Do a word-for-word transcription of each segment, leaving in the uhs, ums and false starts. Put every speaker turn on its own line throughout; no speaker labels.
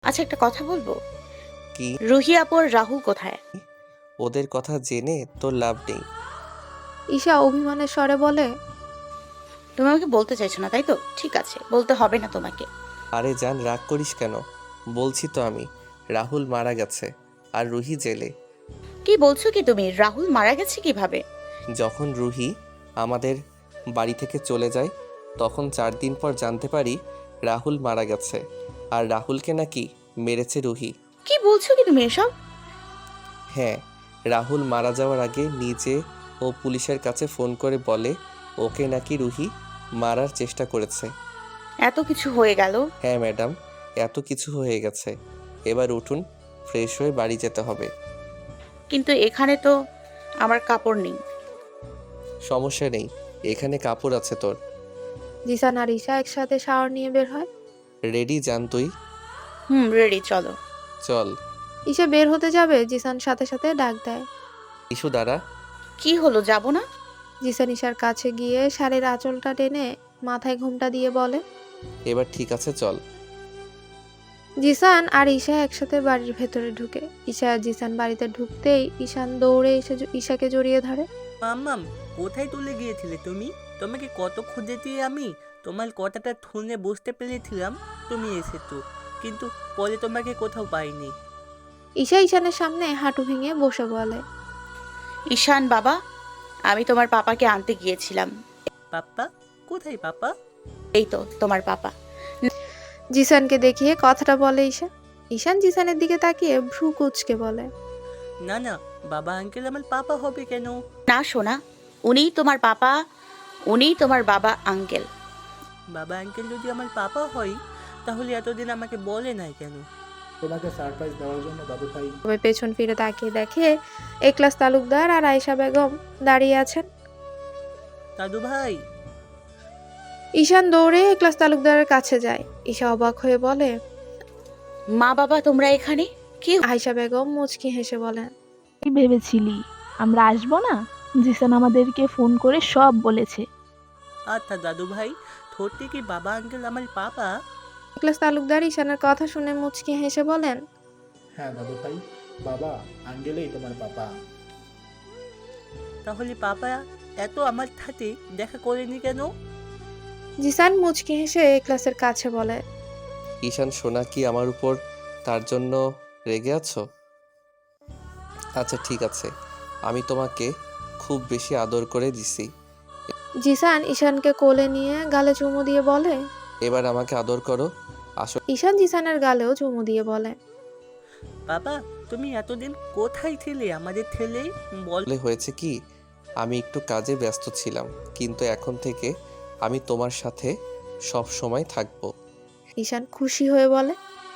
আচ্ছা, একটা কথা বলবো?
কি?
রুহি আপু আর রাহুল কোথায়?
ওদের কথা জেনে তোর লাভ নেই।
ঈশা অভিমানের স্বরে বলে।
তুমি আমাকে বলতে চাইছো না, তাই তো? ঠিক আছে, বলতে হবে না তোমাকে।
আরে জান, রাগ করিস কেন? বলছি তো আমি, রাহুল মারা গেছে আর রুহি জেলে।
কি বলছো কি তুমি? রাহুল মারা গেছে কিভাবে?
যখন রুহি আমাদের বাড়ি থেকে চলে যায় তখন চার দিন পর জানতে পারি রাহুল মারা গেছে, আর রাহুলকে নাকি মেরেছে রুহি।
কি বলছো কি তুমি এসব?
হ্যাঁ, রাহুল মারা যাওয়ার আগে নিজে ও পুলিশের কাছে ফোন করে বলে ওকে নাকি রুহি মারার চেষ্টা করেছে।
এত কিছু হয়ে গেল।
হ্যাঁ ম্যাডাম, এত কিছু হয়ে গেছে। এবার উঠুন, ফ্রেশ হয়ে বাড়ি যেতে হবে।
কিন্তু এখানে তো আমার কাপড় নেই।
সমস্যা নেই, এখানে কাপড় আছে তোর।
জিসান আর ঈশা একসাথে শাওয়ার নিয়ে বের হয়।
রেডি যান তুই?
হুম, রেডি, চলো।
চল।
ঈশা বের হতে যাবে, জিসান সাথে সাথে ডাক দেয়।
ইস্যু দ্বারা।
কি হলো, যাব না?
জিসান ঈশার কাছে গিয়ে শাড়ির আঁচলটা টেনে মাথায় ঘোমটা দিয়ে বলে।
এবার ঠিক আছে, চল।
জিসান আর ঈশা একসাথে বাড়ির ভেতরে ঢুকে। ঈশা আর জিসান বাড়িতে ঢুকতেই ঈশান দৌড়ে এসে জ- ঈশাকে জড়িয়ে ধরে।
মাম্মাম, কোথায় চলে গিয়েছিলে তুমি? তোমাকে কত খুঁজেছি আমি। তোমার কথাটা শুনে বুঝতে পেরেছিলাম তুমি এসেছো, কিন্তু পরে তোমাকে কোথাও পাইনি।
ঈশা ঈশানের সামনে হাঁটু ভেঙে বসে বলে।
ঈশান বাবা, আমি তোমার পাপাকে আনতে গিয়েছিলাম।
পাপ্পা? কোথায় পাপা?
এই তো তোমার পাপা।
জিসানকে দেখিয়ে কথাটা বলে ঈশা। ঈশান জিসানের দিকে তাকিয়ে ভ্রু কুঁচকে বলে।
না না, বাবা আঙ্কেল আমার পাপা হবে কেন?
না সোনা, উনিই তোমার পাপা, উনিই তোমার বাবা আঙ্কেল।
বাবা আঙ্কেল যদি আমার পাপা হয় তাহলে এতদিন আমাকে বলে নাই কেন?
তোমাকে সারপ্রাইজ দেওয়ার জন্য দাদু ভাই।
তবে পেছন ফিরে তাকিয়ে দেখে একলাস তালুকদার আর আয়েশা বেগম দাঁড়িয়ে আছেন।
দাদু ভাই।
ঈশান দৌড়ে একলাস তালুকদারের কাছে যায়। ঈশা অবাক হয়ে বলে।
মা বাবা তোমরা এখানে? কি?
আয়েশা বেগম মুচকি হেসে বলেন।
কি ভেবেছিলি আমরা আসবো না? জিসান আমাদেরকে ফোন করে সব বলেছে।
আচ্ছা দাদু ভাই, সত্যি কি বাবা আঙ্কেল আমার পাপা?
একলাস তালুকদার ঈশানের কথা শুনে মুচকি হেসে বলেন।
হ্যাঁ দাদু ভাই, বাবা আঙ্গেলেই তোমার পাপা।
তাহলে পাপা এত আমার সাথে দেখা করেনি কেন?
জিসান মুচকি হেসে একলাসের কাছে বলে।
ঈশান সোনা কি আমার উপর তার জন্য রেগে আছো? আচ্ছা ঠিক আছে, আমি তোমাকে খুব বেশি আদর করে দিছি,
জিসান ঈশানকে কোলে নিয়ে গালে চুমু দিয়ে বলে।
এবার আমাকে আদর করো। আসলে
ঈশান জিসানের গালেও চুমু দিয়ে বলে।
বাবা, তুমি এতদিন কোথায় ছিলে আমাদের ছেলে? বল।
হয়েছে কি, আমি একটু কাজে ব্যস্ত ছিলাম, কিন্তু এখন থেকে আমি তোমার সাথে সব সময় থাকবো।
ঈশান খুশি হয়ে বলে।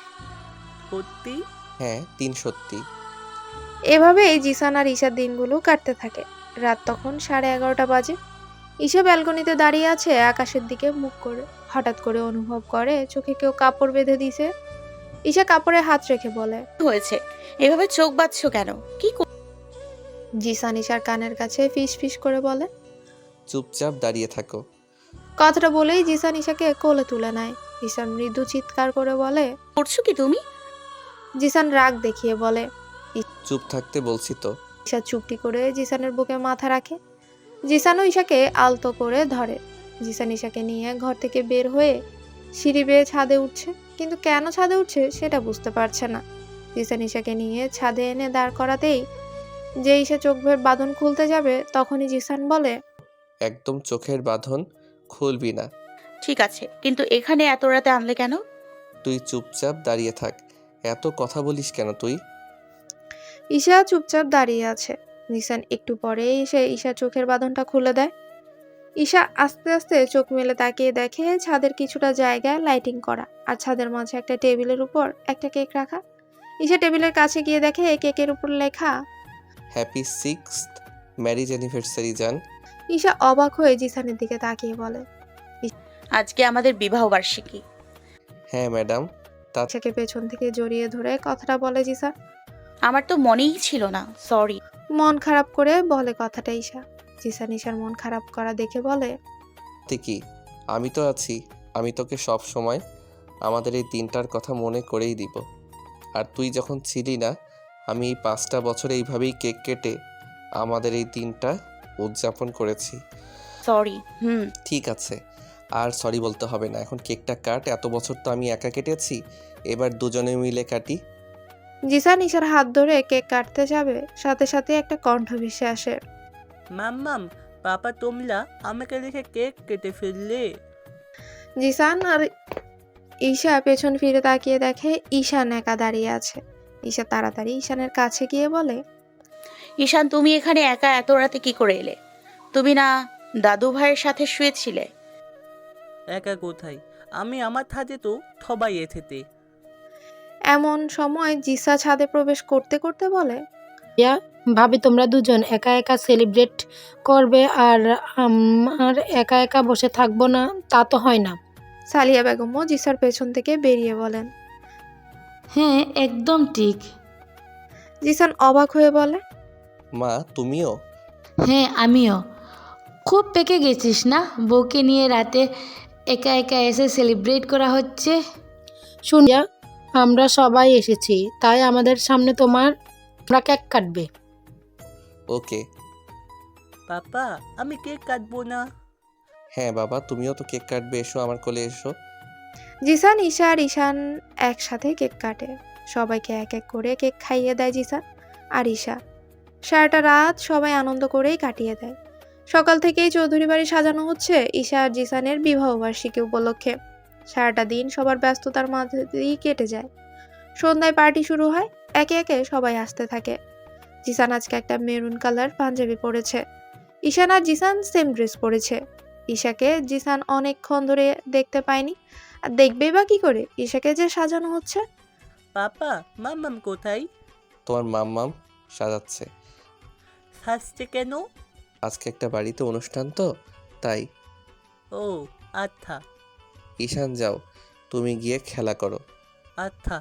সত্যি?
হ্যাঁ, তিন সত্যি।
এভাবেই জিসান আর ঈশার দিনগুলো কাটতে থাকে। রাত তখন সাড়ে এগারোটা বাজে। ঈশা ব্যালকনিতে দাঁড়িয়ে আছে আকাশের দিকে মুখ করে। হঠাৎ করে অনুভব করে চোখে কেউ কাপড় বেঁধে দিছে। ঈশা কাপড়ে হাত রেখে বলে।
হয়েছে? এভাবে চোখ বাঁধছো কেন? কি কর-
জিসান ঈশার কানের কাছে ফিস ফিস করে বলে।
চুপচাপ দাঁড়িয়ে থাকো।
কথাটা বলেই জিসান ঈশাকে কোলে তুলে নেয়। ঈশা মৃদু চিৎকার করে বলে।
করছো কি তুমি?
জিসান রাগ দেখিয়ে বলে।
চুপ থাকতে বলছি তো।
ঈশা চুপটি করে জিসানের বুকে মাথা রাখে। জিসানও ঈশাকে আলতো করে ধরে। জিসান ঈশাকে নিয়ে ঘর থেকে বের হয়ে সিঁড়ি বেয়ে ছাদে উঠছে, কিন্তু কেন ছাদে উঠছে সেটা বুঝতে পারছে না। জিসান ঈশাকে নিয়ে ছাদে এনে দাঁড় করাতেই যে ঈশা চোখ ভের বাঁধন খুলতে যাবে, তখনই জিসান বলে।
একদম চোখের বাঁধন খুলবি না।
ঠিক আছে, কিন্তু এখানে এত রাতে আনলে কেন?
তুই চুপচাপ দাঁড়িয়ে থাক। এত কথা বলিস কেন তুই?
ঈশা চুপচাপ দাঁড়িয়ে আছে। জিসান একটু পরে এসে ঈশা চোখের বাঁধনটা খুলে দেয়। ঈশা আস্তে আস্তে চোখ মেলে তাকিয়ে দেখে ছাদের কিছুটা জায়গায় লাইটিং করা, আর ছাদের মাঝে একটা টেবিলের উপর একটা কেক রাখা। ঈশা টেবিলের কাছে গিয়ে দেখে কেকের উপর লেখা।
হ্যাপি সিক্সথ ম্যারিজ অ্যানিভার্সারি জান।
ঈশা অবাক হয়ে জিসানের দিকে তাকিয়ে বলে।
আজকে আমাদের বিবাহ বার্ষিকী।
হ্যাঁ ম্যাডাম। তা
ঈশাকে পেছন থেকে জড়িয়ে ধরে কথাটা বলে জিসান।
আমার তো মনেই ছিল না, সরি।
মন খারাপ করে বলে কথাটা ঈশা। জিসান ঈশার মন খারাপ করা দেখে বলে।
কি, আমি তো আছি। আমি তোকে সব সময় আমাদের এই দিনটার কথা মনে করেই দিব। আর তুই যখন ছিলি না, আমি এই পাঁচটা বছর এইভাবেই কেক কেটে আমাদের এই দিনটা উদযাপন করেছি।
সরি। হুম।
ঠিক আছে, আর সরি বলতে হবে না। এখন কেকটা কাট। এত বছর তো আমি একা কেটেছি, এবার দুজনে মিলে কাটি।
জিসান ঈশার হাত ধরে কেক কাটতে যাবে, সাথে সাথে একটা কণ্ঠ ভেসে আসে।
মাম্মাম, পাপা তোমরা আমাকে রেখে কেক কেটে ফেললে।
জিসান আর ঈশা পেছন ফিরে তাকিয়ে দেখে ঈশান একা দাঁড়িয়ে আছে। ঈশা তাড়াতাড়ি ঈশানের কাছে গিয়ে বলে,
ঈশান, তুমি এখানে একা এত রাতে কি করে এলে? তুমি না দাদু ভাইয়ের সাথে শুয়েছিলে?
একা কোথায়, আমি আমার থাতে তো সবাই এসেতে।
এমন সময় জিসা ছাদে প্রবেশ করতে করতে বলে,
ইয়া ভাবি তোমরা দুজন একা একা সেলিব্রেট করবে আর আমার একা একা বসে থাকবো না, তা তো হয় না।
সালিয়া বেগমও জিসার পেছন থেকে বেরিয়ে বলেন।
হ্যাঁ একদম ঠিক।
জিসান অবাক হয়ে বলে,
মা, তুমিও?
হ্যাঁ আমিও। খুব পেকে গেছিস না, বউকে নিয়ে রাতে একা একা এসে সেলিব্রেট করা হচ্ছে।
শুনিয়া আমরা সবাই এসেছি, তাই আমাদের সামনে তোমার তোমরা কেক কাটবে।
ওকে।
পাপা, আমি কেক কাটবো না।
হ্যাঁ বাবা, তুমিও তো কেক কাটবে, এসো আমার কোলে এসো।
জিসান ঈশা আর ঈশান একসাথে কেক কাটে। সবাইকে এক এক করে কেক খাইয়ে দেয় জিসান আর ঈশা। সারাটা রাত সবাই আনন্দ করেই কাটিয়ে দেয়। সকাল থেকেই চৌধুরী বাড়ি সাজানো হচ্ছে ঈশা আর জিসানের বিবাহবার্ষিকী উপলক্ষে। সারাটা দিন সবার ব্যস্ততার মাঝে দিয়েই কেটে যায়। সন্ধ্যায় পার্টি শুরু হয়, একে একে সবাই আসতে থাকে। জিসান আজকে একটা মেরুন কালার পাঞ্জাবি পরেছে। ঈশান আর জিসান সেম ড্রেস পরেছে। ঈশাকে জিসান অনেকক্ষণ ধরে দেখতে পায়নি, আর দেখবেই বা কি করে, ঈশাকে যে সাজানো হচ্ছে।
পাপা, মাম্মাম কোথায়?
তোমার মাম্মাম সাজাচ্ছে।
সাজছে কেন?
আজকে একটা বাড়িতে অনুষ্ঠান তো, তাই।
ও আচ্ছা
ঈশান যাও, তুমি গিয়ে খেলা করো।
আচ্ছা।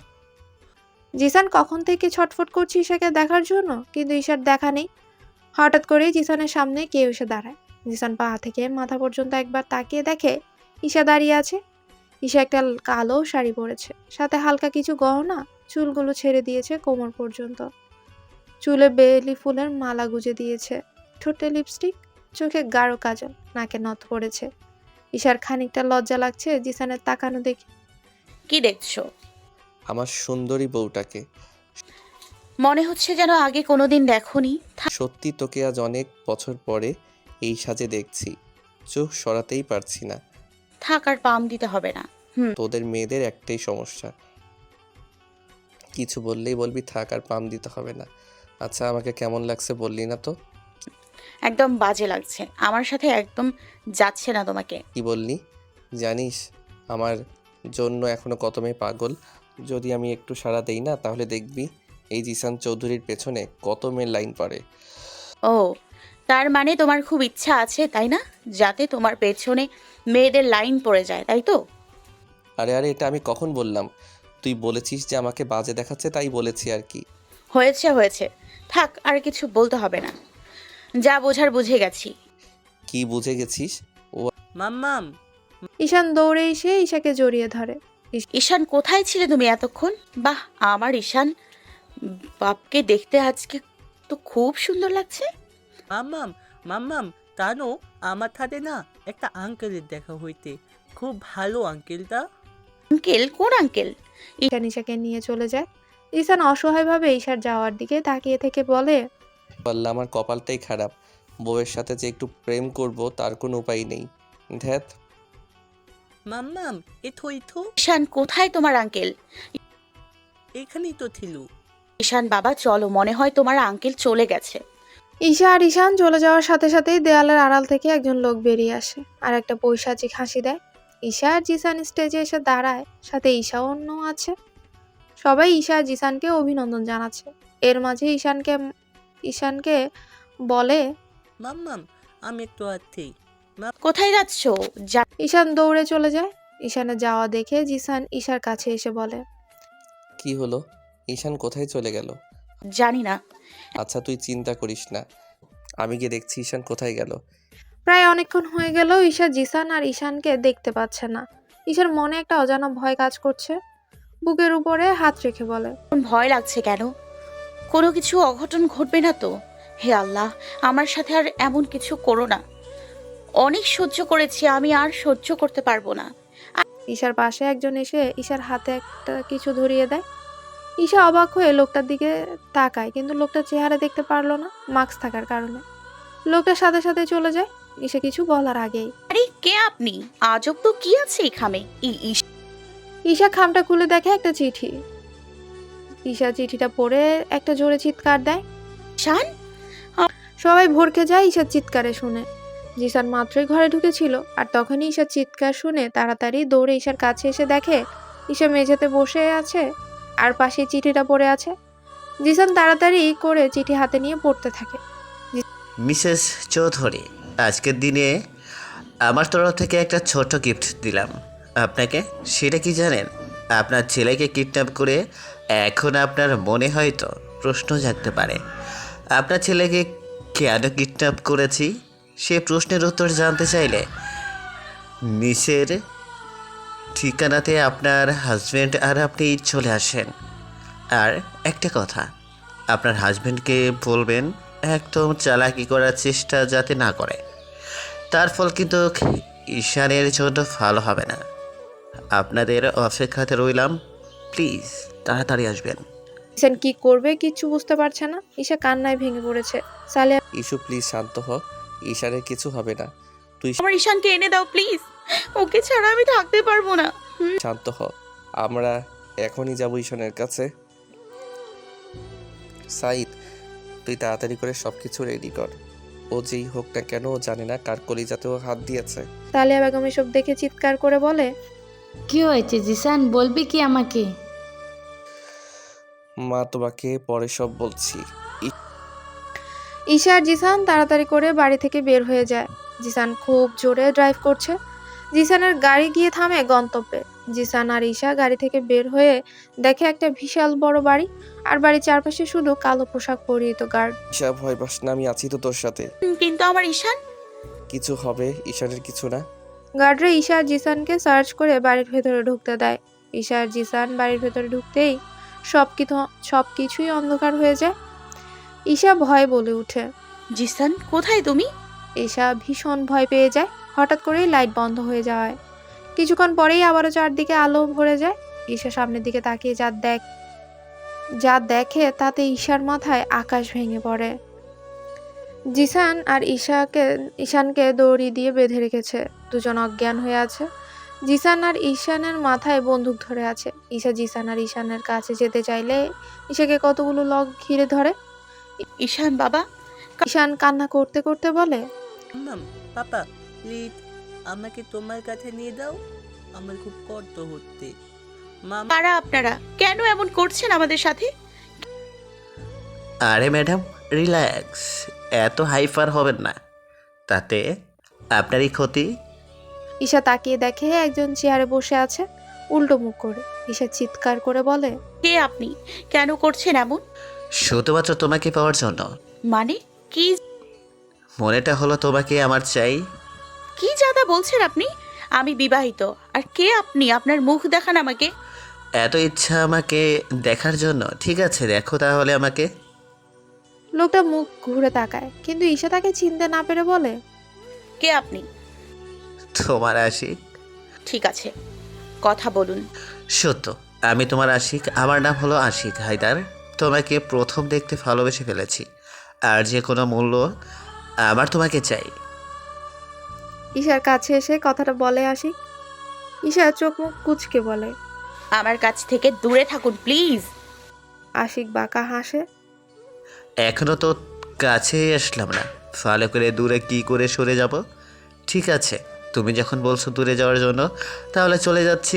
জিসান কখন থেকে ছটফট করছে ঈশাকে দেখার জন্য, কিন্তু ঈশার দেখা নেই। হঠাৎ করেই জিসানের সামনে কেউ এসে দাঁড়ায়। জিসান পা থেকে মাথা পর্যন্ত একবার তাকিয়ে দেখে ঈশা দাঁড়িয়ে আছে। ঈশা একটা কালো শাড়ি পরেছে, সাথে হালকা কিছু গহনা। চুলগুলো ছেড়ে দিয়েছে কোমর পর্যন্ত। চুলে বেলি ফুলের মালা গুজে দিয়েছে, ঠোঁটে লিপস্টিক, চোখে গাঢ় কাজল, নাকে নথ পড়েছে। ঈশার খানিকটা লজ্জা লাগছে জিসানের তাকানো দেখে।
কি দেখছো?
আমার সুন্দরী বউটাকে।
মনে হচ্ছে যেন আগে কোনোদিন দেখোনি।
সত্যি তোকে আজ অনেক বছর পরে এই সাজে দেখছি, চোখ সরাতেই পারছি না।
থাক, আর পাম দিতে হবে না। হুম।
তোদের মেয়েদের একটাই সমস্যা, কিছু বললেই বলবি থাক আর পাম দিতে হবে না। আচ্ছা, আমাকে কেমন লাগছে বললি না তো?
একদম বাজে লাগছে, আমার সাথে একদম যাচ্ছে না তোমাকে।
কি বললি? জানিস আমার জন্য এখনো কত মেয়ে পাগল। যদি আমি একটু সাড়া দেই না, তাহলে দেখবি এই জিসান চৌধুরীর পেছনে কত মেয়ের লাইন পড়ে।
ও, তার মানে তোমার খুব ইচ্ছা আছে তাই না, যাতে তোমার পেছনে মেয়েদের লাইন পড়ে যায়, তাই তো?
আরে আরে এটা আমি কখন বললাম? তুই বলেছিস যে আমাকে বাজে দেখাচ্ছে, তাই বলেছি আর কি।
হয়েছে হয়েছে, থাক, আর কিছু বলতে হবে না, যা বোঝার বুঝে গেছি।
কি বুঝে গেছিস?
মাম্মাম,
ঈশান দৌড়ে এসে ঈশাকে জড়িয়ে ধরে।
ঈশান, কোথায় ছিলে তুমি এতক্ষণ? বাহ, আমার ঈশান বাপকে দেখতে আজকে তো খুব সুন্দর লাগছে।
মাম্মাম, মাম্মাম, জানো আমার সাথে না একটা আঙ্কেলের দেখা হইতে, খুব ভালো আঙ্কেলটা।
আঙ্কেল? কোন আঙ্কেল?
ঈশান ঈশাকে নিয়ে চলে যায়। ঈশান অসহায়ভাবে ঈশার যাওয়ার দিকে তাকিয়ে থেকে বলে,
বললাম আমার কপালটাই খারাপ, বউয়ের সাথে যে একটু প্রেম করব তার কোনো উপায় নেই। ধ্যাত।
মাম্মাম, এথো এথো,
ঈশান, কোথায় তোমার আঙ্কেল?
এখানেই তো ছিল।
ঈশান বাবা, চলো, মনে হয় তোমার আঙ্কেল চলে গেছে।
ঈশা আর ঈশান চলে যাওয়ার সাথে সাথেই দেয়ালের আড়াল থেকে একজন লোক বেরিয়ে আসে আর একটা পৈশাচিক হাসি দেয়। ঈশা আর জিসান স্টেজে এসে দাঁড়ায়, সাথে ঈশা অন্য আছে। সবাই ঈশা আর জিসানকে অভিনন্দন জানাচ্ছে। এর মাঝে ঈশানকে ঈশানকে বলে,
মাম্মাম, আমি একটু আছি।
কোথায় যাচ্ছো? যা।
ঈশান দৌড়ে চলে যায়। ঈশানের যাওয়া দেখে জিসান ঈশার কাছে এসে বলে,
কি হলো? ঈশান কোথায় চলে গেল?
জানি না।
আচ্ছা তুই চিন্তা করিস না, আমি গিয়ে দেখছি ঈশান কোথায় গেল।
প্রায় অনেকক্ষণ হয়ে গেল ঈশা জিসান আর ঈশানকে দেখতে পাচ্ছে না। ঈশার মনে একটা অজানা ভয় কাজ করছে। বুকের উপরে হাত রেখে বলে,
ভয় লাগছে কেন? কোনো কিছু অঘটন ঘটবে না তো? হে আল্লাহ, আমার সাথে আর এমন কিছু করো না। অনেক সহ্য করেছি, আমি আর সহ্য করতে পারবো না।
ঈশার পাশে একজন এসে ঈশার হাতে একটা কিছু ধরিয়ে দেয়। ঈশা অবাক হয়ে লোকটার দিকে তাকায়, কিন্তু লোকটার চেহারা দেখতে পারলো না মাস্ক থাকার কারণে। লোকটার সাথে সাথে চলে যায় ঈশা কিছু বলার আগেই।
আরে কে আপনি? আজব তো কি আছে এই খামে? ই- ইস-
ঈশা খামটা খুলে দেখে একটা চিঠি। ঈশা চিঠিটা পড়ে একটা জোরে চিৎকার দেয়।
শান,
সবাই ভরকে যায় ঈশার চিৎকারে শুনে। জিসান মাত্রই ঘরে ঢুকেছিল, আর তখনই ঈশার চিৎকার শুনে তাড়াতাড়ি দৌড়ে ঈশার কাছে এসে দেখে ঈশা মেঝেতে বসে আছে আর পাশে চিঠিটা পড়ে আছে। জিসান তাড়াতাড়ি করে চিঠি হাতে নিয়ে পড়তে থাকে।
মিসেস চৌধুরী, আজকের দিনে আমার তরফ থেকে একটা ছোট গিফট দিলাম আপনাকে। সেটা কি জানেন? আপনার ছেলেকে কিডন্যাপ করে এখন আপনার মনে হয়তো প্রশ্ন জাগতে পারে, আপনার ছেলেকে কেন কিডন্যাপ করেছি সে প্রশ্নের উত্তর জানতে চাইলে নিচের ঠিকানাতে আপনার হাজব্যান্ড আর আপনি চলে আসেন। আর একটা কথা, আপনার হাজব্যান্ডকে বলবেন একদম চালাকি করার চেষ্টা যাতে না করে, তার ফল কিন্তু ঈশানের জন্য ভালো হবে না। আপনাদের অপেক্ষাতে রইলাম, প্লিজ তাড়াতাড়ি আসবেন।
জিসান কি করবে কিচ্ছু বুঝতে পারছে না। ঈশা কান্নায় ভেঙে পড়েছে। সালেহা
ইস্যু প্লিজ শান্ত হ, ঈশানের কিছু হবে না। তুই
আমার ঈশানকে এনে দাও প্লিজ। ওকে ছাড়া আমি থাকতে পারবো না।
শান্ত হ, আমরা এখনই যাবো ঈশানের কাছে। সাইদ, তুই তাড়াতাড়ি করে সব কিছু রেডি কর। ও যেই হোক না কেন, ও জানে না কার কলিজাতে ও হাত দিয়েছে।
সালেহা বেগম এসব দেখে চিৎকার করে বলে,
কি হয়েছে জিসান, বলবি কি আমাকে?
মা, তোমাকে পরে সব বলছি।
ঈশা আর জিসান তাড়াতাড়ি করে বাড়ি থেকে বের হয়ে যায়। জিসান খুব জোরে ড্রাইভ করছে। জিসানের গাড়ি গিয়ে থামে গন্তব্যে। জিসান আর ঈশা গাড়ি থেকে বের হয়ে দেখে একটা বিশাল বড় বাড়ি, আর বাড়ির চারপাশে শুধু কালো পোশাক পরিহিত গার্ড।
ঈশা, ভয় পাস না, আমি আছি তো তোর সাথে।
হুম, কিন্তু আমার ঈশান।
কিছু হবে, ঈশানের কিছু না।
গার্ডরা ঈশা আর জিসানকে সার্চ করে বাড়ির ভেতরে ঢুকতে দেয়। ঈশা আর জিসান বাড়ির ভেতরে ঢুকতেই সব কিছু সব কিছুই অন্ধকার হয়ে যায়। ঈশা ভয় বলে ওঠে।
জিসান, কোথায় তুমি?
ঈশা ভীষণ ভয় পেয়ে যায়। হঠাৎ করেই লাইট বন্ধ হয়ে যায়। কিছুক্ষণ পরেই আবারও চারদিকে আলো ভরে যায়। ঈশা সামনের দিকে তাকিয়ে যা দেখ যা দেখে তাতে ঈশার মাথায় আকাশ ভেঙে পড়ে। জিসান আর ঈশাকে ঈশানকে দড়ি দিয়ে বেঁধে রেখেছে। দুজন অজ্ঞান হয়ে আছে। জিসান আর ঈশানের মাথায় বন্দুক ধরে আছে। ঈশা জিসান আর ঈশানের কাছে যেতে চাইলে ঈশাকে কতগুলো লোক ঘিরে ধরে।
ঈশান বাবা।
ঈশান কান্না করতে করতে বলে,
মাম, পাপা প্লিজ আমাকে তোমার কাছে নিয়ে দাও, আমার খুব কষ্ট হচ্ছে। মাম,
কারা আপনারা? কেন এমন করছেন আমাদের সাথে?
আরে ম্যাডাম, রিল্যাক্স, এত হাইফার হবেন না, তাতে আপনারই ক্ষতি।
ঈশা তাকিয়ে দেখে একজন চেয়ারে বসে আছে উল্টো মুখ করে। ঈশা চিৎকার করে বলে,
কে আপনি? কেন করছেন এমন?
শুধুমাত্র তোমাকে পাওয়ার জন্য।
মানে কি?
মনেটা হলো তোমাকে আমার চাই।
কি জাদা বলছেন আপনি? আমি বিবাহিত। আর কে আপনি? আপনার মুখ দেখান আমাকে।
এত ইচ্ছা আমাকে দেখার জন্য? ঠিক আছে, দেখো তাহলে আমাকে।
লোকটা মুখ ঘুরে তাকায়, কিন্তু ঈশা তাকে চিনতে না পেরে বলে,
কে আপনি?
তোমার আশিক।
ঠিক আছে, কথা বলুন।
সত্য, আমি তোমার আশিক। আমার নাম হলো আশিক হায়দার। তোমাকে প্রথম দেখতে ভালোবেসে ফেলেছি, আর যে কোনো মূল্য আমার তোমাকে চাই।
ঈশার কাছে এসে কথাটা বলে আশিক। ঈশা চোখ মুখ কুচকে বলে,
আমার কাছ থেকে দূরে থাকুন প্লিজ।
আশিক বাঁকা হাসে।
এখনো তো কাছেই আসলাম না, ভালো করে দূরে কি করে সরে যাব? ঠিক আছে, তুমি যখন বলছো দূরে যাওয়ার জন্য, তাহলে চলে যাচ্ছি।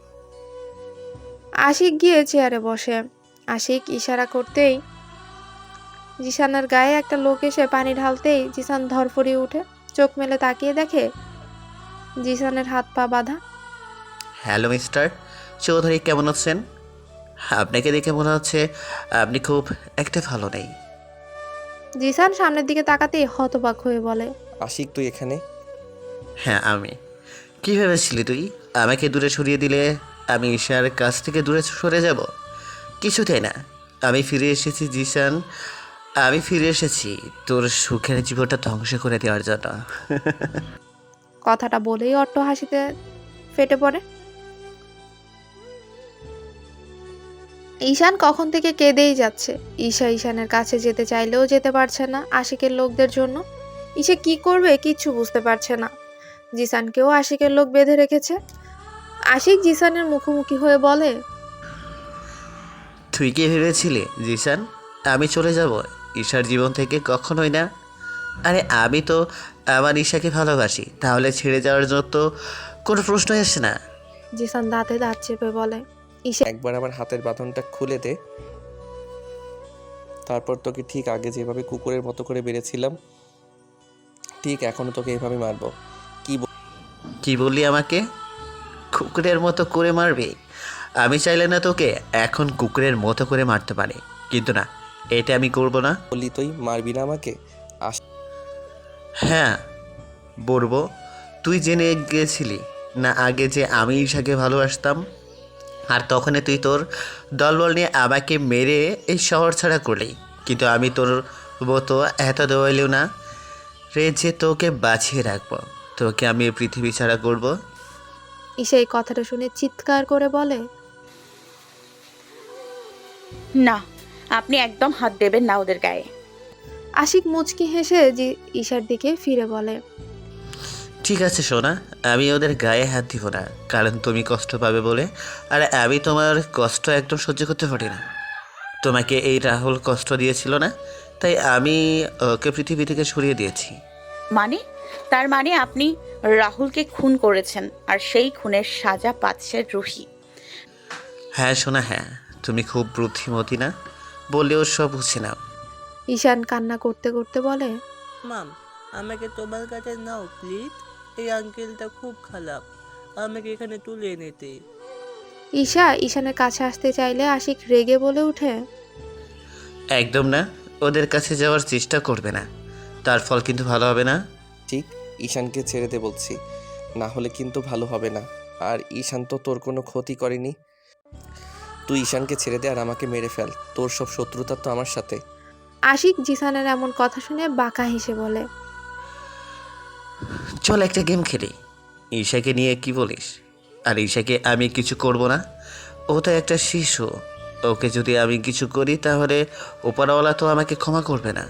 আশিক গিয়ে চেয়ারে বসে। আশিক ইশারা করতেই জিসানের গায়ে একটা লোক এসে পানি ঢালতেই জিসান ধরফড়িয়ে উঠে। চোখ মেলে তাকিয়ে দেখে জিসানের হাত পা বাঁধা।
হ্যালো মিস্টার চৌধুরী, কেমন আছেন? আপনাকে দেখে মনে হচ্ছে আপনি খুব একটা ভালো নেই।
জিসান সামনের দিকে তাকাতেই হতবাক হয়ে বলে,
আশিক, তুই এখানে?
হ্যাঁ আমি। কী ভেবেছিলি তুই? আমাকে দূরে সরিয়ে দিলে আমি ঈশার কাছ থেকে দূরে সরে যাব? কিছুতেই না। আমি ফিরে এসেছি জিসান, আমি ফিরে এসেছি তোর সুখের জীবনটা ধ্বংস করে দেওয়ার জন্য।
কথাটা বলেই অট্ট হাসিতে ফেটে পড়ে। ঈশান কখন থেকে কেঁদেই যাচ্ছে। ঈশা ঈশানের কাছে যেতে চাইলেও যেতে পারছে না আশিকের লোকদের জন্য। ঈশা কি করবে কিচ্ছু বুঝতে পারছে না। জিসানকেও আশিকের লোক বেঁধে রেখেছে। আশিক জিসানের মুখোমুখি হয়ে বলে,
তুই কি ভেবেছিলি জিসান আমি চলে যাব ঈশার জীবন থেকে? কখনোই না। আরে আমি তো আমার ঈশাকে ভালোবাসি, তাহলে ছেড়ে যাওয়ার জন্য তো কোনো প্রশ্নই আসে না।
জিসান দাঁতে দাঁত চেপে বলে,
একবার আমার হাতের বাঁধনটা খুলে দে, তারপর তোকে ঠিক আগে যেভাবে কুকুরের মতো করে বেড়েছিলাম ঠিক এখনো তোকে এভাবে মারবো।
কি বললি আমাকে কুকুরের মতো করে মারবি? আমি চাইলে না তোকে এখন কুকুরের মতো করে মারতে পারি, কিন্তু না, এটা আমি করব না।
বললি তুই মারবি না আমাকে?
হ্যাঁ বলবো। তুই জেনে গিয়েছিলি না আগে যে আমি ঈশাকে ভালোবাসতাম, আর তখনই তুই তোর দলবল নিয়ে আমাকে মেরে এই শহর ছাড়া করলি। কিন্তু আমি তোর মতো এত দেওয়াইলেও না রে যে তোকে বাঁচিয়ে রাখবো, তোকে আমি এই পৃথিবী ছাড়া করব।
ঈশা এই কথাটা শুনে চিৎকার করে বলে,
না, আপনি একদম হাত দেবেন না ওদের গায়ে।
আশিক মুচকি হেসে জি ঈশার দিকে ফিরে বলে,
ঠিক আছে সোনা, আমি ওদের গায়ে হাত দিব না, কারণ তুমি কষ্ট পাবে বলে। আর আমি তোমার কষ্ট একদম সহ্য করতে পারি না। তোমাকে এই রাহুল কষ্ট দিয়েছিল না, তাই আমি ওকে পৃথিবী থেকে সরিয়ে দিয়েছি।
মানে? তার মানে আপনি রাহুলকে খুন করেছেন আর সেই খুনের সাজা পাচ্ছে রুহি।
হ্যাঁ সোনা, হ্যাঁ, তুমি খুব বুদ্ধিমতী না বললেও সব বুঝে নাও।
ঈশান কান্না করতে করতে বলে,
মাম, আমাকে তোমার কাছে নাও প্লিজ। এই আঙ্কেলটা খুব খারাপ, আমাকে এখানে তুলে এনেতে।
ঈশা ঈশানের কাছে আসতে চাইলে আশিক রেগে বলে ওঠে,
একদম না, ওদের কাছে যাওয়ার চেষ্টা করবে না, তার ফল কিন্তু ভালো হবে না।
ঠিক, ঈশানকে ছেড়ে দে বলছি, না হলে কিন্তু ভালো হবে না। আর ঈশান তো তোর কোনো ক্ষতি করেনি। তুই ঈশানকে ছেড়ে দে আর আমাকে মেরে ফেল, তোর সব শত্রুতা তো আমার সাথে।
আশিক জিসানের এমন কথা শুনে বাঁকা হেসে বলে,
চল একটা গেম খেলি। ঈশাকে নিয়ে কি বলিস? আর ঈশাকে আমি কিছু করব না, ও তো একটা শিশু, ওকে যদি আমি কিছু করি তাহলে ওপরওয়ালা তো আমাকে ক্ষমা করবে না।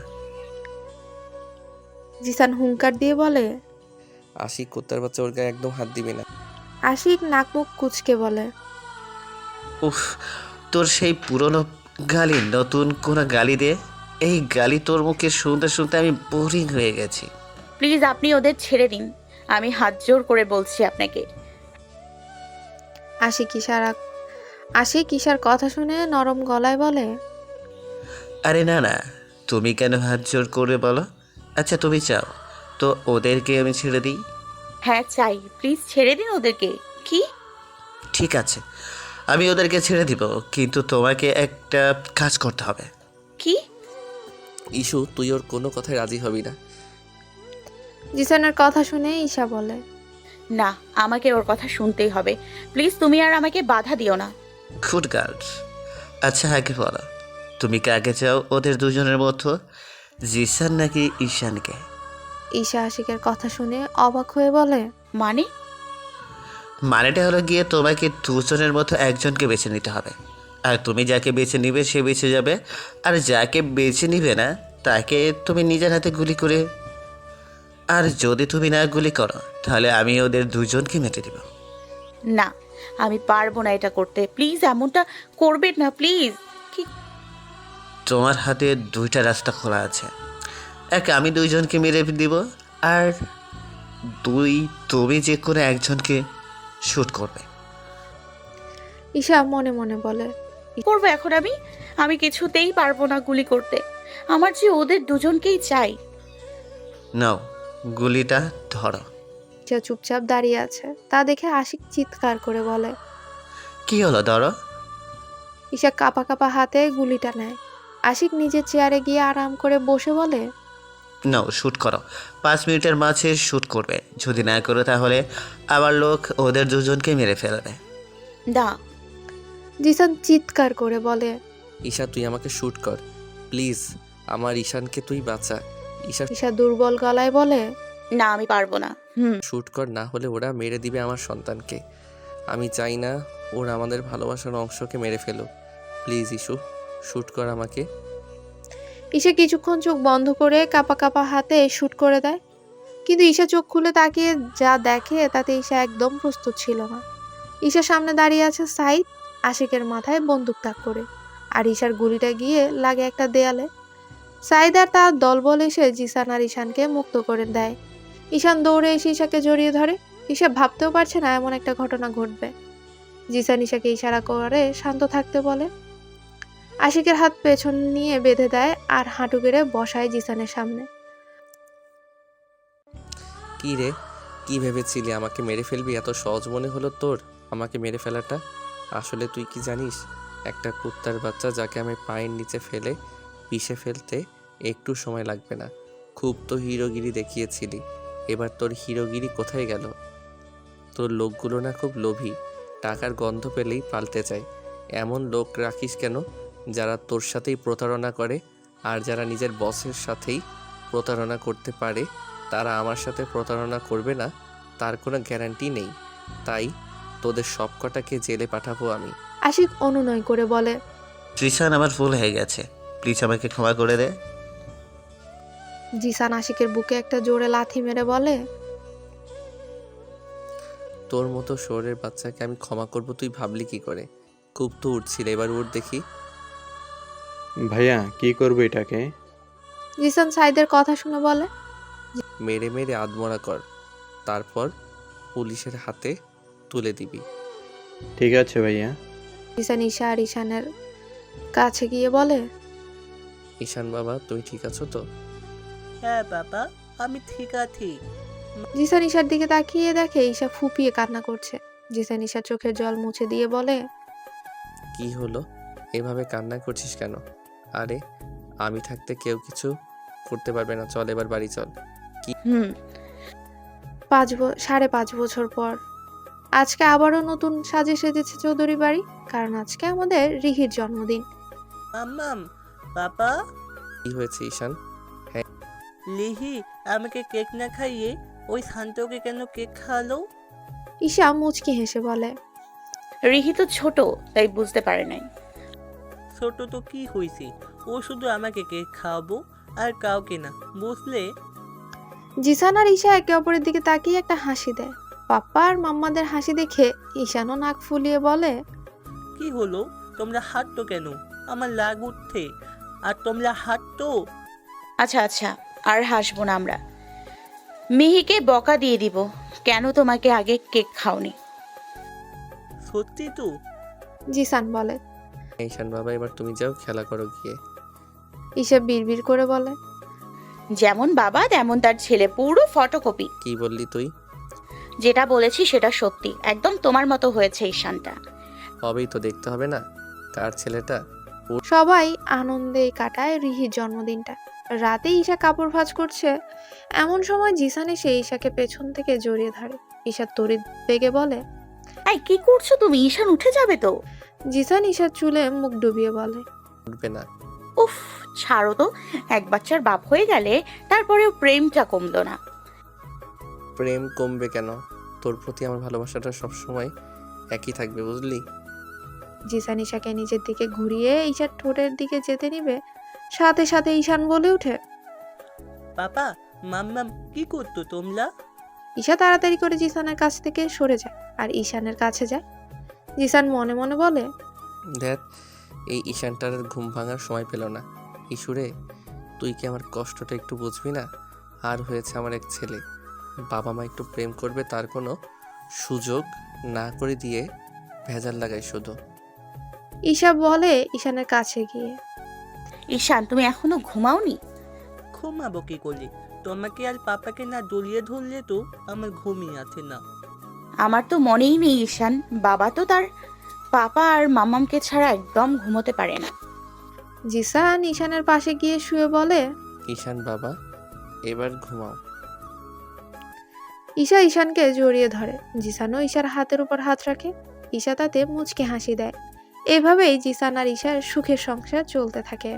জিসান হুঙ্কার দিয়ে বলে।
আশিক কুত্তার বাচ্চা, ওর গায়ে একদম হাত দিবি না।
আশিক নাক মুখ কুচকে বলে,
উফ, তোর সেই পুরনো গালি নতুন কোনো গালি দে। এই গালি তোর মুখে শুনতে শুনতে আমি বোরিং হয়ে গেছি।
প্লিজ আপনি ওদের ছেড়ে দিন, আমি হাত জোর করে বলছি আপনাকে।
আশিক ইশারা আশিক ঈশার কথা শুনে নরম গলায় বলে,
আরে না না, তুমি কেন হাত জোর করে বলো? আচ্ছা তুমি চাও তো ওদেরকে আমি ছেড়ে দিই?
হ্যাঁ চাই, প্লিজ ছেড়ে দিন ওদেরকে। কি?
ঠিক আছে, আমি ওদেরকে ছেড়ে দিব, কিন্তু তোমাকে একটা কাজ করতে হবে।
কি?
ইস্যু, তুই ওর কোনো কথায় রাজি হবি না।
জিসানের কথা শুনে ঈশা বলে,
না, আমাকে ওর কথা শুনতেই হবে। প্লিজ তুমি আর আমাকে বাধা দিও না।
Good girls. আচ্ছা আগে বলো, তুমি কাকে চাও ওদের দুজনের মধ্যে, জিসান নাকি ঈশানকে?
ঈশা আশিকের কথা শুনে অবাক হয়ে বলে,
মানে?
মানেটা হলো গিয়ে তোমাকে দুজনের মতো একজনকে বেছে নিতে হবে, আর তুমি যাকে বেছে নিবে সে বেঁচে যাবে, আর যাকে বেছে নিবে না তাকে তুমি নিজের হাতে গুলি করে, আর যদি তুমি না গুলি করো তাহলে আমি ওদের দুজনকে মেরে দেব।
না, আমি পারবো না এটা করতে। প্লিজ এমনটা করবেন না, প্লিজ। কি?
তোমার হাতে দুইটা রাস্তা খোলা আছে, এক আমি দুইজনকে মেরে দিব, আর দুই তুমি যে কোনো একজনকে শ্যুট করবে।
ঈশা মনে মনে বলে,
কি করবো এখন আমি? আমি কিছুতেই পারবো না গুলি করতে। আমার যে ওদের দুজনকেই চাই।
নাও গুলিটা ধরো।
ঈশা চুপচাপ দাঁড়িয়ে আছে, তা দেখে আশিক চিৎকার করে বলে,
কি হলো ধরো।
ঈশা কাপা কাপা হাতে গুলিটা নেয়। আশিক নিজের চেয়ারে গিয়ে আরাম করে বসে বলে,
নাও শ্যুট করো, পাঁচ মিনিটের মাঝে শ্যুট করবে, যদি না করো তাহলে আবার লোক ওদের দুজনকে মেরে ফেলবে।
না।
জিসান চিৎকার করে বলে।
ঈশা তুই আমাকে শ্যুট কর প্লিজ, আমার ঈশানকে তুই বাঁচা। ঈশা
ঈশা দুর্বল গলায় বলে।
না আমি পারবো না। হুম।
শ্যুট কর, না হলে ওরা মেরে দিবে আমার সন্তানকে। আমি চাই না ওরা আমাদের ভালোবাসার অংশকে মেরে ফেলুক। প্লিজ ইস্যু, শ্যুট কর আমাকে।
ঈশা কিছুক্ষণ চোখ বন্ধ করে কাপা কাপা হাতে শুট করে দেয়, কিন্তু ঈশা চোখ খুলে তাকিয়ে যা দেখে তাতে ঈশা একদম প্রস্তুত ছিল না। ঈশার সামনে দাঁড়িয়ে আছে সাইদ, আশিকের মাথায় বন্দুক তাক করে, আর ঈশার গুলিটা গিয়ে লাগে একটা দেয়ালে। সাইদ আর তার দলবল এসে জিসান আর ঈশানকে মুক্ত করে দেয়। ঈশান দৌড়ে এসে ঈশাকে জড়িয়ে ধরে। ঈশা ভাবতেও পারছে না এমন একটা ঘটনা ঘটবে। জিসান ঈশাকে ইশারা করে শান্ত থাকতে বলে। আশিকের হাত পেছন নিয়ে বেঁধে দেয় আর হাঁটু গেড়ে বসায় জিসানের সামনে।
কি রে, কি ভেবেছিলি আমাকে মেরে ফেলবি? এত সহজ মনে হলো তোর আমাকে মেরে ফেলাটা? আসলে তুই কি জানিস, একটা কুত্তার বাচ্চা যাকে আমি পায়ের নিচে ফেলে পিষে ফেলতে একটু সময় লাগবে না। খুব তো হিরোগিরি দেখিয়েছিলি, এবার তোর হিরোগিরি কোথায় গেল? তোর লোকগুলো না খুব লোভী, টাকার গন্ধ পেলেই পাল্টে যায়। এমন লোক রাখিস কেন যারা তোর সাথেই প্রতারণা করে? আর যারা নিজের বসের সাথেই প্রতারণা করতে পারে তারা আমার সাথে প্রতারণা করবে না তার কোনো গ্যারান্টি নেই। তাই তোদের সবকটাকে জেলে পাঠাবো আমি।
আশিক অনুনয় করে বলে।
জিসান আমার ভুল হয়ে গেছে, প্লিজ আমাকে ক্ষমা করে দে।
জিসান আশিকের বুকে একটা জোরে লাথি মেরে বলে।
তোর মতো শহরের বাচ্চাকে আমি ক্ষমা করব তুই ভাবলি কি করে? খুব তো উঠছিল, এবার উঠ দেখি।
ভাইয়া কি করবো এটাকে?
জিসান সাইদের কথা শুনে বলে।
মেরে মেরে আদমরা কর, তারপর পুলিশের হাতে তুলে দিবি।
ঠিক আছে ভাইয়া।
জিসান ঈশা আর ঈশানের কাছে গিয়ে বলে।
ঈশান বাবা তুমি ঠিক আছো তো?
হ্যাঁ বাবা, আমি ঠিক আছি।
জিসান ঈশার দিকে তাকিয়ে দেখে ঈশা ফুপিয়ে কান্না করছে। জিসান ঈশার চোখের জল মুছে দিয়ে বলে।
কি হলো, এভাবে কান্না করছিস কেন? আরে আমি থাকতে কেউ কিছু করতে পারবে না, চল এবার বাড়ি চল।
হুম।
পাঁচ ব- সাড়ে পাঁচ বছর পর আজকে আবারও নতুন সাজে সেজেছে চৌধুরী বাড়ি, কারণ আজকে আমাদের রিহির জন্মদিন।
মাম্মাম, বাবা,
কি হয়েছে ঈশান?
লিহি আমাকে কেক না খাইয়ে ওই শান্তকে কেন কেক খাওয়ালো?
ঈশা মুচকি হেসে বলে।
রিহি তো ছোট, তাই বুঝতে পারে নাই।
ছোট তো কি হয়েছে, ও শুধু আমাকে কেক খাওয়াবো আর কাউকে না, বুঝলে?
জিসান আর ঈশা একে অপরের দিকে তাকিয়ে একটা হাসি দেয়। পাপ্পা আর মাম্মাদের হাসি দেখে ঈশানও নাক ফুলিয়ে বলে।
কি হলো, তোমরা হাঁটতো কেন? আমার লাগ উঠছে। আর তোমরা হাঁটতো।
আচ্ছা আচ্ছা, আর হাসবো না আমরা। মিহিকে বকা দিয়ে দিব, কেন তোমাকে আগে কেক খাওনি।
সত্যি তো?
জিসান বলে।
ঈশান বাবা এবার তুমি যাও খেলা করো গিয়ে।
ঈশা বিড়বিড় করে বলে।
যেমন বাবা তেমন তার ছেলে, পুরো ফটোকপি।
কি বললি তুই?
যেটা বলেছি সেটা সত্যি, একদম তোমার মতো হয়েছে ঈশানটা।
হবেই তো, দেখতে হবে না কার ছেলেটা।
সবাই আনন্দে কাটায় রিহির জন্মদিনটা। রাতে ঈশা কাপড় ভাঁজ করছে, এমন সময় জিসান এসে ঈশাকে পেছন থেকে জড়িয়ে ধরে। ঈশা তড়িৎ বেগে বলে।
এই কি করছো তুমি? ঈশান উঠে যাবে তো।
জিসান ঈশার চুলে মুখ ডুবিয়ে বলে।
উঠবে না।
উফ ছাড়ো তো, এক বাচ্চার বাপ হয়ে গেলে তারপরেও প্রেমটা কমলো না।
প্রেম কমবে কেন? তোর প্রতি আমার ভালোবাসাটা সবসময় একই থাকবে, বুঝলি?
জিসান ঈশাকে নিজের দিকে ঘুরিয়ে ঈশার ঠোঁটের দিকে যেতে নিবে, সাথে সাথে ঈশান বলে ওঠে।
বাবা, মাম্মাম কি করতো তোমরা?
ঈশা তাড়াতাড়ি করে জিসানের কাছ থেকে সরে যায় আর ঈশানের কাছে যায়। জিসান মনে মনে বলে।
দেখ এই ঈশানটার ঘুম ভাঙার সময় পেল না। ইস্যুরে তুই কি আমার কষ্টটা একটু বুঝবি না? আর হয়েছে আমার এক ছেলে, বাবা মা একটু প্রেম করবে তার কোনো সুযোগ না করে দিয়ে ভেজাল লাগাই শুধু।
ঈশা বলে ঈশানের কাছে গিয়ে।
ঈশান তুমি এখনো ঘুমাওনি?
ঘুমাবো কি করলে? তোমাকে আর পাপাকে না জড়িয়ে ধরলে তো আমার ঘুমই আছে না।
আমার তো মনেই নেই ঈশান, বাবা তো তার পাপা আর মামামকে ছাড়া একদম ঘুমোতে পারে না।
জিসান ঈশানের পাশে গিয়ে শুয়ে বলে।
ঈশান বাবা এবার ঘুমাও।
ঈশা ঈশানকে জড়িয়ে ধরে। জিসানও ঈশার হাতের উপর হাত রাখে। ঈশা তাতে মুচকে হাসি দেয়। এভাবেই জিসান আর ঈশার সুখের সংসার চলতে থাকে।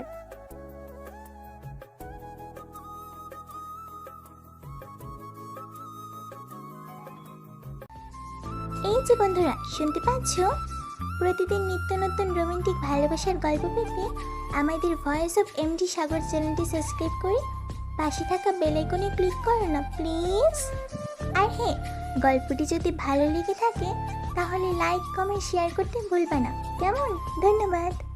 এই যে বন্ধুরা, শুনতে পাচ্ছ? প্রতিদিন নিত্য নতুন রোমান্টিক ভালোবাসার গল্প পেতে আমাদের ভয়েস অফ এমডি সাগর চ্যানেলটি সাবস্ক্রাইব করে পাশে থাকা বেল আইকনে ক্লিক করো না প্লিজ। আর হ্যাঁ, গল্পটি যদি ভালো লেগে থাকে তাহলে লাইক কমেন্ট শেয়ার করতে ভুলবে না, কেমন? ধন্যবাদ।